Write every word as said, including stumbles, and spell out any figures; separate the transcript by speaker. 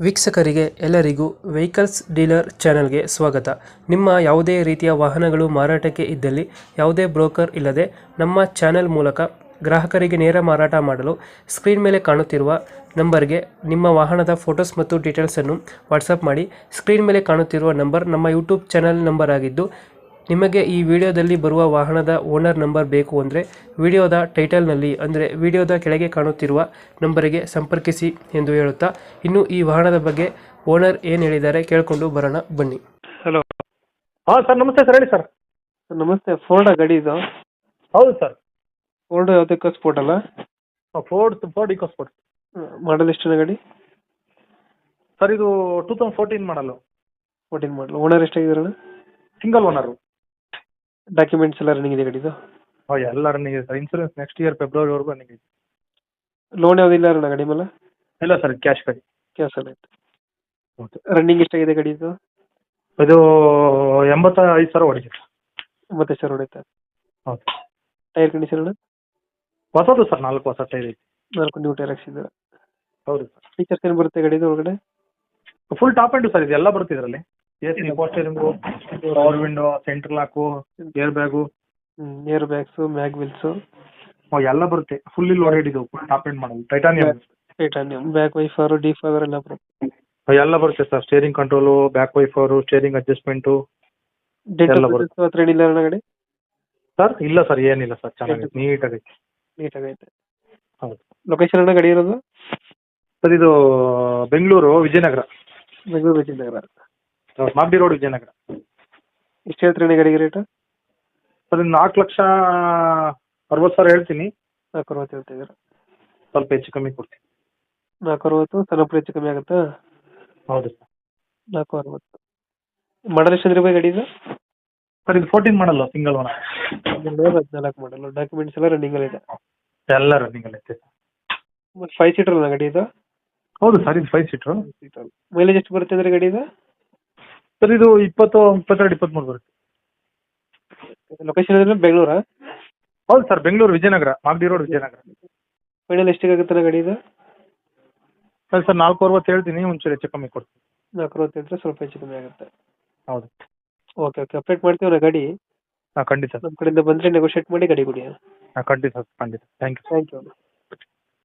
Speaker 1: ವೀಕ್ಷಕರಿಗೆ ಎಲ್ಲರಿಗೂ vehicles dealer ಚಾನೆಲ್ಗೆ ಸ್ವಾಗತ. ನಿಮ್ಮ ಯಾವುದೇ ರೀತಿಯ ವಾಹನಗಳು ಮಾರಾಟಕ್ಕೆ ಇದ್ದಲ್ಲಿ ಯಾವುದೇ ಬ್ರೋಕರ್ ಇಲ್ಲದೆ ನಮ್ಮ ಚಾನೆಲ್ ಮೂಲಕ ಗ್ರಾಹಕರಿಗೆ ನೇರ ಮಾರಾಟ ಮಾಡಲು ಸ್ಕ್ರೀನ್ ಮೇಲೆ ಕಾಣುತ್ತಿರುವ ನಂಬರ್ಗೆ ನಿಮ್ಮ ವಾಹನದ ಫೋಟೋಸ್ ಮತ್ತು ಡೀಟೇಲ್ಸನ್ನು ವಾಟ್ಸಪ್ ಮಾಡಿ. ಸ್ಕ್ರೀನ್ ಮೇಲೆ ಕಾಣುತ್ತಿರುವ ನಂಬರ್ ನಮ್ಮ ಯೂಟ್ಯೂಬ್ ಚಾನೆಲ್ ನಂಬರ್ ಆಗಿದ್ದು, ನಿಮಗೆ ಈ ವಿಡಿಯೋದಲ್ಲಿ ಬರುವ ವಾಹನದ ಓನರ್ ನಂಬರ್ ಬೇಕು ಅಂದರೆ ವಿಡಿಯೋದ ಟೈಟಲ್ನಲ್ಲಿ ಅಂದರೆ ವಿಡಿಯೋದ ಕೆಳಗೆ ಕಾಣುತ್ತಿರುವ ನಂಬರಿಗೆ ಸಂಪರ್ಕಿಸಿ ಎಂದು ಹೇಳುತ್ತಾ, ಇನ್ನು ಈ ವಾಹನದ ಬಗ್ಗೆ ಓನರ್ ಏನು ಹೇಳಿದ್ದಾರೆ ಕೇಳಿಕೊಂಡು ಬರೋಣ ಬನ್ನಿ. ಹಲೋ.
Speaker 2: ಹಾಂ ಸರ್, ನಮಸ್ತೆ ಸರ್, ಹೇಳಿ ಸರ್.
Speaker 1: ನಮಸ್ತೆ. ಫೋರ್ಡ್ ಗಾಡಿ ಇದು?
Speaker 2: ಹೌದು ಸರ್.
Speaker 1: ಫೋರ್ಡ್ ಯಾವುದಕ್ಕೆ ಸ್ಪೋರ್ಟ್ ಅಲ್ಲ?
Speaker 2: Ford Ford Eco Sport.
Speaker 1: Model ಎಷ್ಟಿನ ಗಾಡಿ?
Speaker 2: ಸರ್ ಇದು two thousand fourteen model.
Speaker 1: Fourteen model. Owner ಎಷ್ಟಾಗಿದ್ದಾರಣ?
Speaker 2: Single owner.
Speaker 1: ಡಾಕ್ಯುಮೆಂಟ್ಸ್ ಎಲ್ಲ ರನ್ನಿಂಗ್ ಇದೆ ಗಾಡಿದು?
Speaker 2: ಹಾಂ, ಎಲ್ಲ ರನ್ನಿಂಗ್ ಇದೆ ಸರ್. ಇನ್ಸೂರೆನ್ಸ್ ನೆಕ್ಸ್ಟ್ ಇಯರ್ ಫೆಬ್ರವರಿವರೆಗೂ ರನ್ನಿಂಗ್ ಇದೆ.
Speaker 1: ಲೋನ್ ಯಾವುದಿಲ್ಲ ಅಣ್ಣ ಗಾಡಿ ಮೇಲೆ?
Speaker 2: ಇಲ್ಲ ಸರ್, ಕ್ಯಾಶ್ ಗಾಡಿ.
Speaker 1: ಕ್ಯಾಶ್ ಎಲ್ಲ ಐತೆ.
Speaker 2: ಓಕೆ.
Speaker 1: ರನ್ನಿಂಗ್ ಎಷ್ಟಾಗಿದೆ ಗಾಡಿದು?
Speaker 2: ಇದು ಎಂಬತ್ತ ಐದು ಸಾವಿರ ಹೊಡಿದೆ.
Speaker 1: ಎಂಬತ್ತೈದು ಸಾವಿರ ಹೊಡೆಯುತ್ತೆ.
Speaker 2: ಹೌದು.
Speaker 1: ಟೈರ್ ಕಂಡೀಷನ್ ಅಣ್ಣ?
Speaker 2: ಹೊಸದು ಸರ್, ನಾಲ್ಕು ಹೊಸ ಟೈರ್ ಐತಿ.
Speaker 1: ನಾಲ್ಕು ನ್ಯೂ ಟೈರ್ ಹಾಕ್ಸಿದ್ದಾರೆ.
Speaker 2: ಹೌದು ಸರ್.
Speaker 1: ಫೀಚರ್ಸ್ ಏನು ಬರುತ್ತೆ ಗಾಡಿದು ಒಳಗಡೆ?
Speaker 2: ಫುಲ್ ಟಾಪ್ ಎಂಡು ಸರ್, ಇದು ಎಲ್ಲ ಬರುತ್ತೆ ಇದರಲ್ಲಿ. A C, power steering, power window, central lock, air bag,
Speaker 1: air bags, mag wheels
Speaker 2: ಎಲ್ಲ ಬರುತ್ತೆ. ಫುಲ್ಲಿ ಲೋಡೆಡ್ ಇದು, top end model titanium.
Speaker 1: Titanium. Back wiper, defogger ಎಲ್ಲ ಬರುತ್ತೆ.
Speaker 2: ಎಲ್ಲ ಬರುತ್ತೆ sir. Steering control, back wiper, steering adjustment ಎಲ್ಲ ಬರುತ್ತೆ.
Speaker 1: ಹತ್ರ ಏನಿಲ್ಲ ಅಣ್ಣ ಗಾಡಿ?
Speaker 2: ಸರ್ ಇಲ್ಲ ಸರ್, ಏನಿಲ್ಲ ಸರ್, ಚೆನ್ನಾಗಿದೆ, ನೀಟಾಗೈತೆ.
Speaker 1: ನೀಟಾಗೈತೆ.
Speaker 2: ಹೌದು.
Speaker 1: ಲೊಕೇಶನ್ ಅಣ್ಣ ಗಾಡಿ ಇರೋದು?
Speaker 2: ಸರ್ ಇದು ಬೆಂಗಳೂರು ವಿಜಯನಗರ.
Speaker 1: ಬೆಂಗಳೂರು ವಿಜಯನಗರ.
Speaker 2: ಮಾಗಡಿ ರೋಡ್, ವಿಜಯನಗರ.
Speaker 1: ಎಷ್ಟು ಹೇಳ್ತೀರಿ ಗಾಡಿಗೆ ರೇಟ್?
Speaker 2: ಸರ್ ಇದು ನಾಲ್ಕು ಲಕ್ಷ ಅರವತ್ತು ಸಾವಿರ ಹೇಳ್ತೀನಿ.
Speaker 1: ನಾಲ್ಕು ಅರವತ್ತು ಹೇಳ್ತಿದ್ದೀರಾ?
Speaker 2: ಸ್ವಲ್ಪ ಹೆಚ್ಚು ಕಮ್ಮಿ ಕೊಡ್ತೀನಿ.
Speaker 1: ನಾಲ್ಕು ಅರವತ್ತು ಸ್ವಲ್ಪ ಹೆಚ್ಚು ಕಮ್ಮಿ ಆಗುತ್ತಾ?
Speaker 2: ಹೌದು ಸರ್.
Speaker 1: ನಾಲ್ಕು ಅರವತ್ತು. ಮಾಡಲ್ ಎಷ್ಟು ಅಂದ್ರೆ ಗಾಡಿ ಇದು?
Speaker 2: ಸರ್ ಇದು ಫೋರ್ಟೀನ್ ಮಾಡಲ್ಲ, ಸಿಂಗಲ್ ಓನರ್.
Speaker 1: ಹದಿನಾಲ್ಕು ಮಾಡಲ್ಲ. ಡಾಕ್ಯುಮೆಂಟ್ಸ್ ಎಲ್ಲ ರನ್ನಿಂಗ್ ಇದೆ?
Speaker 2: ಎಲ್ಲ ರನ್ನಿಂಗ್ ಐತೆ.
Speaker 1: ಫೈವ್ ಸೀಟರ್ ಅಲ್ಲ ಗಾಡಿ ಇದು?
Speaker 2: ಹೌದು ಸರ್, ಇದು ಫೈವ್ ಸೀಟ್ರು.
Speaker 1: ಮೈಲೇಜ್ ಎಷ್ಟು ಬರುತ್ತೆ ಅಂದ್ರೆ ಗಾಡಿ ಇದು?
Speaker 2: ಸರ್ ಇದು ಇಪ್ಪತ್ತು ಇಪ್ಪತ್ತೆರಡು ಇಪ್ಪತ್ತ್ಮೂರು ಬರುತ್ತೆ.
Speaker 1: ಲೊಕೇಶನ್ ಅಂದ್ರೆ ಬೆಂಗಳೂರಾ?
Speaker 2: ಹೌದು sir, Bengaluru Vijayanagar, Magadi road, Vijayanagar.
Speaker 1: Final ಎಷ್ಟಿಗಾಗುತ್ತೆ ಗಾಡಿ ಇದು?
Speaker 2: ಸರ್ ಸರ್ ನಾಲ್ಕು ಅರವತ್ತು ಹೇಳ್ತೀನಿ, ಒಂಚೂರು ಹೆಚ್ಚು ಕಮ್ಮಿ ಕೊಡ್ತೀನಿ.
Speaker 1: ನಾಲ್ಕು ಅರವತ್ತು ಹೇಳಿದ್ರೆ ಸ್ವಲ್ಪ ಹೆಚ್ಚು ಕಮ್ಮಿ ಆಗುತ್ತೆ.
Speaker 2: ಹೌದು.
Speaker 1: ಓಕೆ ಓಕೆ, ಅಪ್ಡೇಟ್ ಮಾಡ್ತೀವಿ ನಾ ಗಾಡಿ.
Speaker 2: ಹಾಂ ಖಂಡಿತ.
Speaker 1: ನಮ್ಮ ಕಡೆಯಿಂದ ಬಂದರೆ ನೆಗೋಷಿಯೇಟ್ ಮಾಡಿ ಗಾಡಿ ಕೊಡಿ.
Speaker 2: ಹಾಂ ಖಂಡಿತ ಖಂಡಿತ. Thank you.
Speaker 1: Thank you.